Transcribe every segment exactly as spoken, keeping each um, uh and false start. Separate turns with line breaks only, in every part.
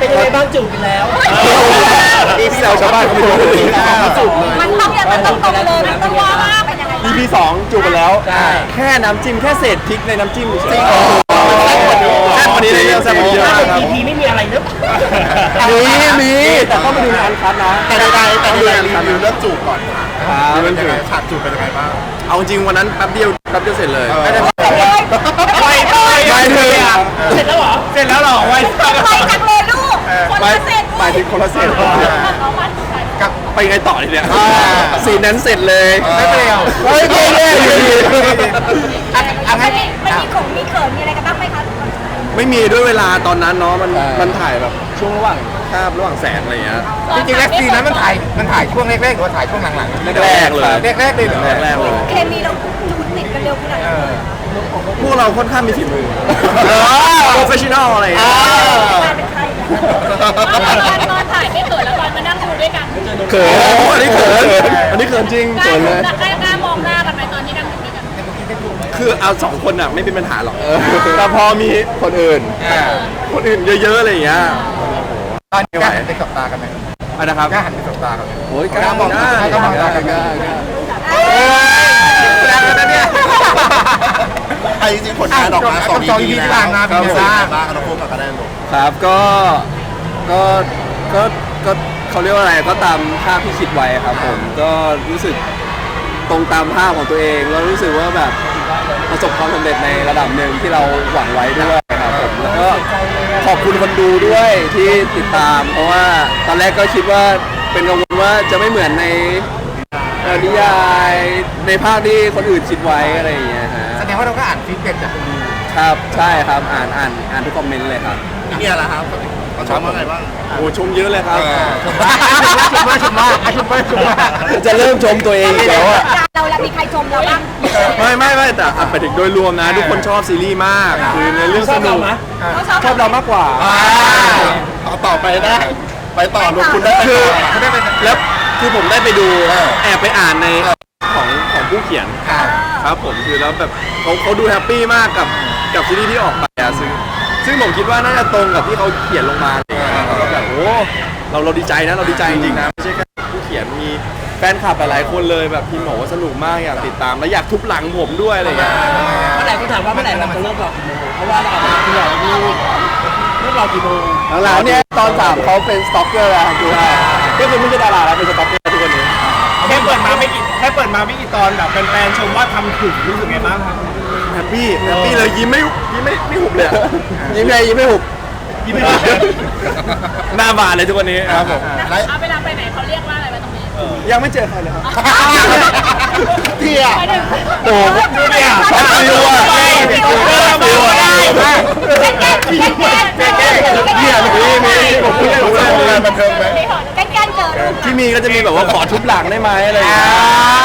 เป็นยังไงบ้างจูบกันแล้ว
พี่แซวชาวบ้านเขาไม่รู้เลย
จูบเลย
มันต้องอย่างมันต้องตรงเลยมันต้องว่าเป็นยังไง
อี พี สองจูบกันแล้วแค่น้ำจิ้มแค่เศษพริกในน้ำจิ้มเฉยๆแซ่บกว่านี้เลยแซ่บกว่านี้เยอะมากครับ
อี พี ไม่มีอะไรเนอะ
มีมีแต่ต้องไปดูในอันคัทนะ
แต่ในการแต่ในการรีวิวเรื่องจูบก่อนค่ะเป็นยังไงฉากจูบเป็นยังไงบ้าง
เอาจริงวันนั้นแป๊บเดียวแป๊บเดียวเสร็จเลยไม่ได้
ไป
ไปไปเลย
เสร็จแล้วเหรอ
เสร็จแล้วหรอไว
ไปจังเลยลูกคนละเสร็จ
ไปถึงคนละเสร็จกับไปไงต่อทีเนี้ยสีนั้นเสร็จเลยไม่เดียวเฮ้ยไม่แน่อยู่ดี
มันมีของมีเขินมีอะไรกันบ้างไหมคะ
ไม่มีด้วยเวลาตอนนั้นเนาะมันมันถ่ายแบบช่วงระหว่างคาบระหว่างแสงอะไรเงี้ย
จริงๆแล้วซีนนั้นมันถ่ายมันถ่ายช่วงแรกๆหรือว่าถ่ายช่วงหลัง
ๆแรกๆเลย
แรกๆเลย
แรกๆเลย
เคมีเราจูนติดกันเร็วขนาดไหน
พวกเราค่อนข้างมีฝีมือโปรเฟชชั่นอลอะไรอย่างเงี้ย
เป็นใคร
ตอนถ่ายไม่เขินแล้วตอนมานั่งดูด้วยกัน
เขินอันนี้เขินอันนี้เขินจริงเขินเลย
กล้ากล้ามองหน้ากันไหมตอนที่นั่งดูด้วยกัน
คือเอาสองคนอ่ะไม่เป็นปัญหาหรอกแต่พอมีคนอื่นคนอื่นเยอะๆอะไรอย่างเงี้ย
ตอนนี้กล้าหันไปสบตากันไหม
อะไรนะครับ
กล้าหันไปสบตากันไหม
โอ้ยกล้ามองหน้ากล้ามองตากันกล้ากล้า
แรงนะเนี่ย
ไอ้จริงผลงานออกมาสอง อี พี
ที่
แล้ว
ผ่านมาเป็นไงบ้าง
บ้างเราพูดกับกระแดนหมด
ครับก็ก็ก็ก็เขาเรียกว่าอะไรก็ตามภาพที่คิดไว้ครับผมก็รู้สึกตรงตามภาพของตัวเองแล้วรู้สึกว่าแบบประสบความสำเร็จในระดับหนึ่งที่เราหวังไว้ด้วยครับผมแล้วก็ขอบคุณคนดูด้วยที่ติดตามเพราะว่าตอนแรกก็คิดว่าเป็นกังวลว่าจะไม่เหมือนในนิยายในภาพที่คนอื่นคิดไว้อะไรอย่างเงี้ยฮะ
แสดงว่าเราก็อ่านฟีดแบ็กจากคนดู
ครับใช่ครับอ่านอ่านอ่านทุกคอมเมนต์เลยครับ
นี่เนี่ยแหละครับเขาชมว่าไงบ้าง
โอ้ชมเยอะเลยครับ
ชมว่าชมว่าชมว่าชมว่าชมว่า
จะเริ่มชมตัวเองแล้วอะ
เราแล้วมีใครชมเราบ้าง
ไม่ไม่ไม่แต่ไปถึงโดยรวมนะทุกคนชอบซีรีส์มากคือในเรื่องสนุกชอบเรามากกว่า
ต่อต่อไปได้ไปต่อลงคุณได้
คือแล้วคือผมได้ไปดูแอบไปอ่านในของของผู้เขียนครับผมคือแล้วแบบเขาเขาดูแฮปปี้มากกับกับซีรีส์ที่ออกไปอะซึ่งซึ่งผมคิดว่าน่าจะตรงกับที่เขาเขียนลงมาแล้วก็แบบโอ้เราเราดีใจนะเราดีใจจริงๆนะไม่ใช่แค่ผู้เขียนมีแฟนคลับหลายๆคนเลยแบบพิมพ์บอกว่าสนุกมากอยากติดตามและอยากทุบหลังผมด้วยอะไรอย่างเงี้ย
เมื่อไหร่คุณถามว่าเมื่อไหร่เราจะเลิกหลอกกี่โมงเพราะว่าเราเอาไปหลอกลูกเลิกหลอกกี่โมง
หลังๆเนี่ยตอนสามเขาเป็นสต็อกเกอร์แล้วคือก็คือไม่ใช่ดาราแล้วเป็นสต็อกเกอร์ทุกคนนี้
แค่เปิดมาไม่กี่แค่เปิดมาไม่กี่ตอนแบบแฟนๆชมว่าทำถูกรู้สึกไงบ้างครับ
แฮปปี้แฮปปี้เลยยิ้มไม่ยิ้มไม่ไม่หุบเลยยิ้มไงยิ้มไม่หุบยิ้มไม่หุบหน้าบานเลยทุกวันนี้ครับผม
เอาเวลาไปไหนเขาเรียกว่าอะไรไว้ตรงนี้
ยังไม่เจอใครเลยครับ
เที่ย
โอ้ดูเนี่ยช็อตฟิวอ่ะฟิวอ่ะ
แก้แก้แก้แก้แก้
เนี่ยมีมีผมพูดได้รู้เลย
บันเทิงไหม
แก้แก้เจอ
ที่มีก็จะมีแบบว่าขอทุบหลังได้ไหมอะไรอย่างเงี้ย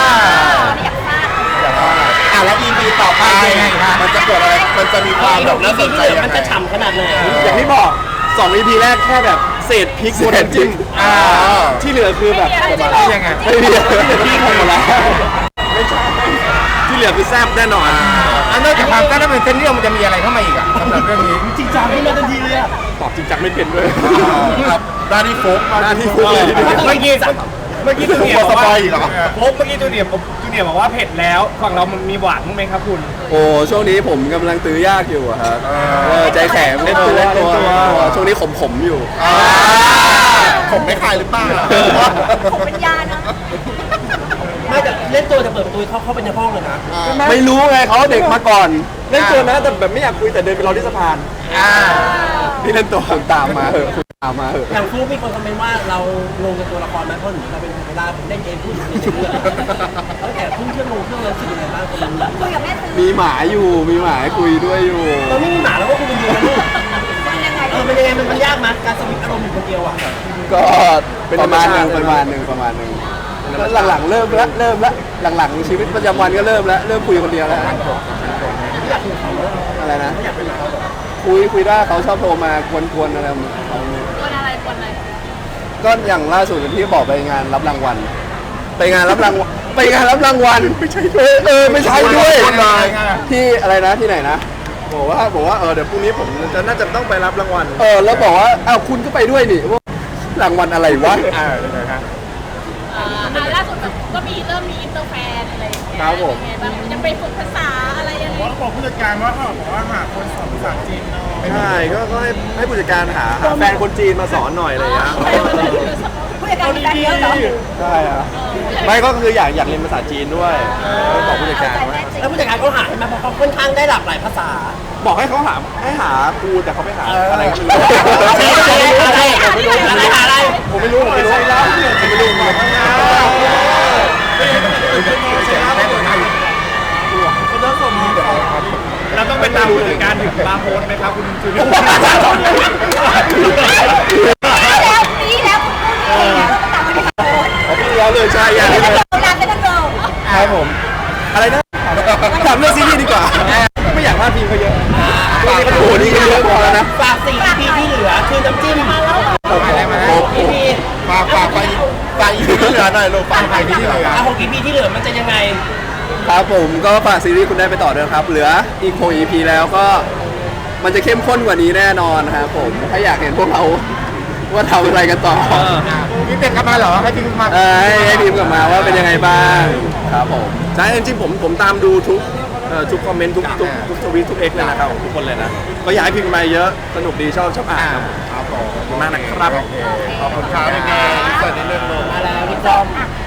อ่ะแล้ว อี พี ต่อไปมันจะเกิดอะไรมันจะมีความแบบน่าสนใจยังไง
มันจะฉ่ำขนาดไหน
อย่างที่บอกสอง อี พี แรกแค่แบบเศษพริกบนน้ำจิ้มที่เหลือคือแบบ
ยังไง
ไม่มีที่หมดแล้วไม่ใช่ที่เหลือคือแซ่บแน่นอน
อันนอกจากความกล้าถ้าเป็นเส้นเรื่องมันจะมีอะไรเข้ามาอีกอ่ะสำหรับเรื่องนี้
จริงจังขึ้นมาทันทีเลยอ่ะ
ตอบจริงจังไม่เป็นด้วย
ครับด้านที่โฟก
ด้านที่โฟกเลย
เมื่อกี้เมื่อกี้จูเนียร์บอกว่า
โฟ
กเมื่อกี้จูเนียร์จูเนียร์บอกว่าเผ็ดแล้วฝั่งเรามันมีหวานมั้ยครับคุณ
โอ้ช่วงนี้ผมกำลังตื้อยากอยู่ครับใจแข็งเล่นตัวเล่นตัวช่วงนี้ขมขมอยู่
ผมไม่คายหรือเปล่า
ผมเป็นยานะ
ไม่แต่เล่นตัวจะเปิดประตูเข้าเข้าไปในห้องเลยนะ
ไม่รู้ไงเขาเด็กมาก่อนเล่นตัวนะแต่แบบไม่อยากคุยแต่เดินไปรอที่สะพานพี่เล่นตัวคุณตามมาเหอะคุณตามมาเหอะ
อย่างฟลุ๊กมีคนคอมเมนต์ว่าเราลงกับตัวละครไหมเพราะหนูเราเป็นเวลาเล่นเกมพูดในชื่อแล้วแต่พุ่งเชื่อมลงเครื่องแล้วสิ่งอะไรบ้างคนรู้
คุยกับแม่
มีหมาอยู่มีหมาคุยด้วยอยู่
เราไม่มีหมาแล้วก็คุยคนเดียวนะลูกเออเป็นยังไงมันยากมั้ยการสวิตช์อารมณ์อยู่คนเดียวอ่ะ
ก็ประมาณนึงประมาณนึงประมาณนึงหลังๆเริ่มละเริ่มละหลังๆชีวิตประจำวันก็เริ่มแล้วเริ่มคุยคนเดียวแล้วอะไรนะคุยคุยได้เขาชอบโทรมากวนๆอะไรเขา
กวนอะไรกวนอะไร
ก็อย่างล่าสุดที่บอกไปงานรับรางวัลไปงานรับรางวัลไปงานรับรางวัลไม่ใช่ด้วยเออไม่ใช่ด้วยที่อะไรนะที่ไหนนะ
บอกว่าบอกว่าเออเดี๋ยวพรุ่งนี้ผมจะน่าจะต้องไปรับรางวัล
เออแล้วบอกว่าอ้าวคุณก็ไปด้วยนี่ว่ารางวัลอะไรวะ
อ่ายังไงครับ
อ่าอ่าล่าสุดแบบก็มีเริ่มมีอินเตอร์แฟนอะไรอย่างเงี้ย
ครับผม
เป็นไงบ้างยังไปฝึกภาษาอะไรยังไง
บอกผู้จัดการว่าเขาบอกว่าหาคนสอนภาษาจีนเนาะ
ใช่ก็ก็ให้ให้ผู้จัดการหาหาแฟนคนจีนมาสอนหน่อยอะไรอย่างเงี้ย
ผู้จัดการมีการเยอะเหรอ
ใช่ครับไม่ก็คืออยากอยากเรียนภาษาจีนด้วยก็บอกผู้จัดการว่า
แล้วผู้จัดการเขาหาให้มาเพราะเขาค่อนข้างได้หลากหลายภาษา
บอกให้เขาหาให้หาครูแต่เขาไม่หาอะไรก็ไม่รู้
อะไรอะไรอะไร
ผมไม่รู้ผมไม่รู้ผมไม่รู้ผมไม่รู้
เราต้องไปตามผู้จัดการถึงบาร์โฮสไหมครับคุณจูเนียร์
แล้วปีแล้วคุณพูดเองแล้วก็ต่างกันที่โพสต์
เอาพี่แล้วเลยใช่ยัง
เป็นนักโบราณเป็นนักโบราณ
ครับผมอะไรนะถามเรื่องซีรีส์ดีกว่าไม่อยากพลาดพิงเขาเยอะโอ้โหนี่ก็เยอะพอแล้วนะ
ฝากสี่ อี พี ที่เหลือคือน้ำจิ้ม
หก
อี พี
ฝากฝากไปฝากอีพีที่เหลือหน่อยลูกฝากไปที่เหลือ
อ่ะหก อี พี ที่เหลือมันจะยังไง
ครับผมก็ฝากซีรีส์คุณได้ไปต่อด้วยครับ เหลืออีกหก อี พี แล้วก็มันจะเข้มข้นกว่านี้แน่นอนครับผมถ้าอยากเห็นพวกเราว่าทำอะไรกันต่อ
พี่เป็ดกลับมาเหรอให้พี่มา
เออให้ให้พิมพ์กลับมาว่าเป็นยังไงบ้างครับผม
ใช่จริงๆผมผมตามดูทุกเอ่อทุกคอมเมนต์ทุกทุกทุกทวีตทุกเอ็กเลยนะครับทุกคนเลยนะก็อยากให้พิมพ์มาเยอะสนุกดีชอบชอบอ่านครับครับผมขอบคุณมากนะครับขอบคุณครับยังไงสวัสดีเรื่องลง
อะไรพี่จอม
อ่ะ